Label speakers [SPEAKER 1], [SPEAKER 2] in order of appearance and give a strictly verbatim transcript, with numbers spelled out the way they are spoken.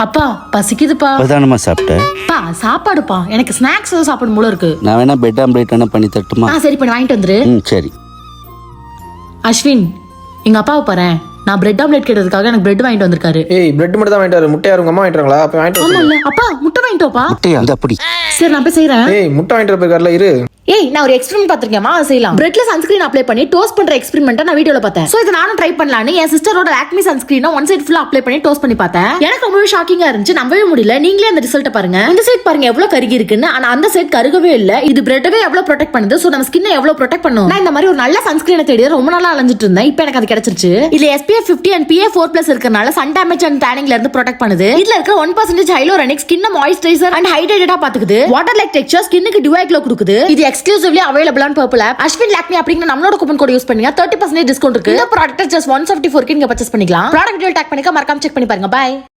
[SPEAKER 1] அப்பா பசிக்குதுப்பா.
[SPEAKER 2] இப்பதானமா சாப்பிட்டேன்.
[SPEAKER 1] பா சாப்பாடுப்பா, எனக்கு ஸ்நாக்ஸ் ஏதோ சாப்பிடும் போல இருக்கு.
[SPEAKER 2] நான் வேணா பெட் ஆம்லேட் வேணா பண்ணி தட்டுமா?
[SPEAKER 1] ஆ சரி பண்ணி வாங்கிட்டு வந்துரு.
[SPEAKER 2] ம் சரி.
[SPEAKER 1] அஸ்வின், எங்க அப்பாவை பாறேன், நான் பிரெட் ஆம்லேட் கேட்டதுக்காக எனக்கு பிரெட் வாங்கிட்டு வந்திருக்காரு.
[SPEAKER 3] ஏய் பிரெட் மட்டும் தான் வாங்கிட்டு வர, முட்டை யாரும் அம்மா வாங்கிட்டாங்களா? அப்ப வாங்கிட்டு
[SPEAKER 1] ஆமா
[SPEAKER 3] வர.
[SPEAKER 1] இல்ல அப்பா, முட்டை வாங்கிட்டு வாப்பா.
[SPEAKER 2] முட்டையா? அந்த அப்படி.
[SPEAKER 1] சரி நான் போய் செய்யறேன்.
[SPEAKER 3] ஏய் முட்டை வாங்கிட்டு வர போயிருக்காருல, இரு.
[SPEAKER 1] ஏய் நான் ஒரு எக்ஸ்பெரிமெண்ட் பாத்திருக்கேன்மா, அதை செய்யலாம். பிரெட்ல சன்ஸ்கிரீன் அப்ளை பண்ணி டோஸ்ட் பண்ற எக்ஸ்பெரிமெண்ட் நான் வீடியோல பார்த்தேன். சோ இதை நானும் ட்ரை பண்ணலாம்னு என் சிஸ்டரோட லாக்மி சன்ஸ்கிரீனை ஒன் சைடு ஃபுல்லா அப்ளை பண்ணி டோஸ்ட் பண்ணி பார்த்தேன். எனக்கு ரொம்பவே ஷாக்கிங்கா இருந்துச்சு, நம்பவே முடியல. நீங்களே அந்த ரிசல்ட் பாருங்க. இந்த சைடு பாருங்க எவ்வளவு கருகி இருக்குன்னு, ஆனா அந்த சைடு கருகவே இல்ல. இது பிரெட்டவே எவ்வளவு ப்ரொடெக்ட் பண்ணுது. சோ நம்ம ஸ்கின்னை எவ்வளவு ப்ரொடெக்ட் பண்ணும். நான் இந்த மாதிரி ஒரு நல்ல சன்ஸ்கிரீனை தேடி ரொம்ப நாளா அலைஞ்சிட்டு இருந்தேன். இப்போ எனக்கு அது கிடைச்சிருச்சு. இதுல S P F fifty and P A four plus இருக்கறனால சன் டேமேஜ் அண்ட் டேனிங்ல இருந்து ப்ரொடெக்ட் பண்ணுது. இதுல இருக்க one percent ஹைலோரனிக் ஸ்கின்னை மாய்ஸ்சரைசர் அண்ட் ஹைட்ரேட்டடா பாத்துக்குது. வாட்டர் லைக் டெக்ஸ்சர் ஸ்கின்னுக்கு டியூ க்ளோ கொடுக்குது. இது exclusively available on purple app. Ashwin Lakme அப்படிங்கிற நம்மளோட கூப்பன் கோட் யூஸ் பண்ணீங்க thirty percent டிஸ்கவுண்ட் இருக்கு. இந்த ப்ராடக்ட் ஜஸ்ட் one seventy-four க்கு நீங்க பர்ச்சேஸ் பண்ணிக்கலாம். ப்ராடக்ட் டீடைல் டாக் பண்ணிக்க மறக்காம செக் பண்ணி பாருங்க. பை.